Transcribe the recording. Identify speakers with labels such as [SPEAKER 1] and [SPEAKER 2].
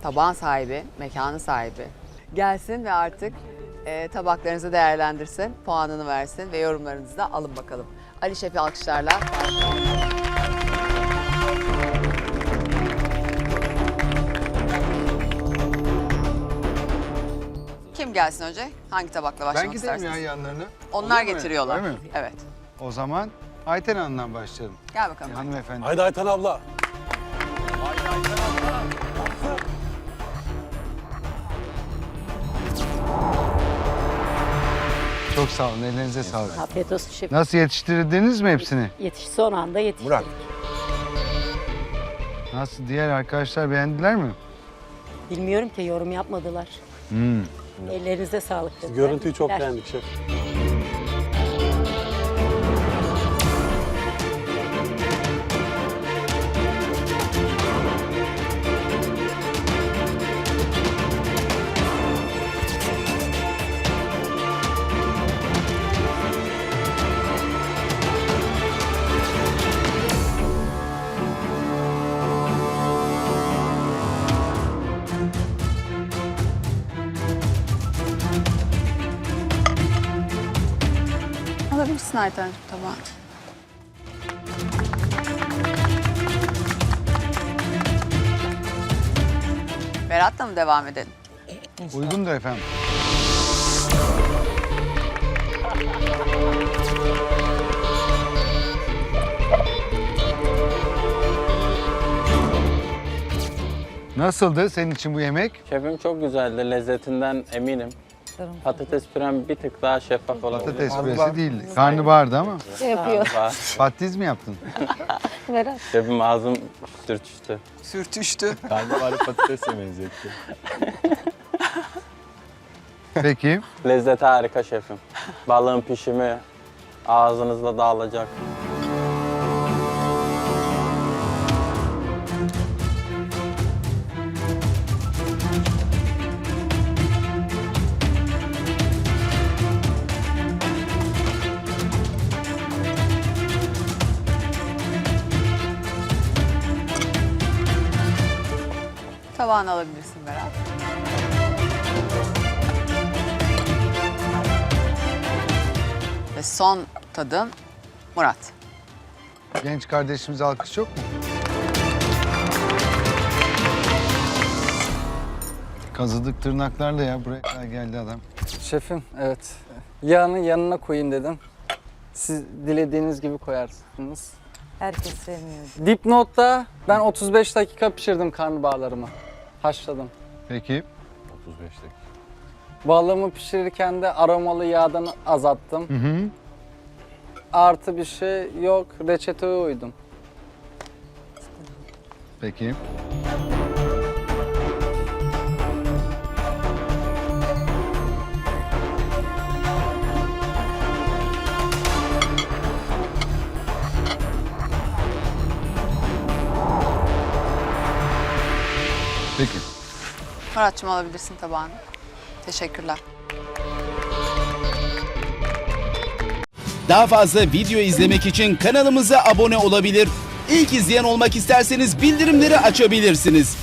[SPEAKER 1] tabağın sahibi, mekanın sahibi gelsin ve artık tabaklarınızı değerlendirsin, puanını versin ve yorumlarınızı da alın bakalım. Ali Şef'i alkışlarla. Kim gelsin önce? Hangi tabakla başlamak
[SPEAKER 2] Ben giderim
[SPEAKER 1] istersiniz?
[SPEAKER 2] ya yanlarına.
[SPEAKER 1] Onlar
[SPEAKER 2] Olur mu?
[SPEAKER 1] getiriyorlar.
[SPEAKER 2] Öyle mi?
[SPEAKER 1] Evet.
[SPEAKER 2] O zaman Ayten Hanım'dan başlayalım.
[SPEAKER 1] Gel bakalım.
[SPEAKER 2] Hanımefendi.
[SPEAKER 3] Haydi Ayten abla.
[SPEAKER 2] Çok sağ olun, ellerinize sağlık.
[SPEAKER 4] Afiyet olsun şefim.
[SPEAKER 2] Nasıl yetiştirdiniz mi hepsini?
[SPEAKER 4] Son anda yetiştirdik.
[SPEAKER 3] Murat.
[SPEAKER 2] Nasıl, diğer arkadaşlar beğendiler mi?
[SPEAKER 4] Bilmiyorum ki yorum yapmadılar. Ellerinize sağlık dediler.
[SPEAKER 3] Görüntüyü çok
[SPEAKER 4] Gittiler.
[SPEAKER 3] beğendik şef.
[SPEAKER 1] Alabilirsin Aytenciğim tabağı. Berat'la mı devam edelim?
[SPEAKER 2] Uygundur efendim. Nasıldı senin için bu yemek?
[SPEAKER 5] Şefim çok güzeldi. Lezzetinden eminim. Patates pürem bir tık daha şeffaf olabilir.
[SPEAKER 2] Patates püresi değildi. Karnabahardı ama.
[SPEAKER 4] Yapıyor.
[SPEAKER 2] Patates mi yaptın?
[SPEAKER 4] Berat.
[SPEAKER 5] Şefim ağzım sürçüştü.
[SPEAKER 1] Sürtüştü.
[SPEAKER 6] Karnabahar patatesle benzetti.
[SPEAKER 2] Peki.
[SPEAKER 5] Lezzeti harika şefim. Balığın pişimi ağzınızda dağılacak.
[SPEAKER 1] Tabağını alabilirsin Berat. Ve son tadım Murat.
[SPEAKER 2] Genç kardeşimize alkış yok mu? Kazıdık tırnaklarla ya. Buraya kadar geldi adam.
[SPEAKER 7] Şefim, evet. Yağını yanına koyayım dedim. Siz dilediğiniz gibi koyarsınız.
[SPEAKER 4] Herkes sevmiyor.
[SPEAKER 7] Dipnotta ben 35 dakika pişirdim karnabaharlarımı. Haşladım.
[SPEAKER 2] Peki.
[SPEAKER 6] 35 dakika.
[SPEAKER 7] Balığımı pişirirken de aromalı yağdan azalttım.
[SPEAKER 2] Hı hı.
[SPEAKER 7] Artı bir şey yok, reçeteye uydum.
[SPEAKER 2] Peki. Peki.
[SPEAKER 1] Murat'cığım alabilirsin tabağını. Teşekkürler.
[SPEAKER 8] Daha fazla video izlemek için kanalımıza abone olabilir. İlk izleyen olmak isterseniz bildirimleri açabilirsiniz.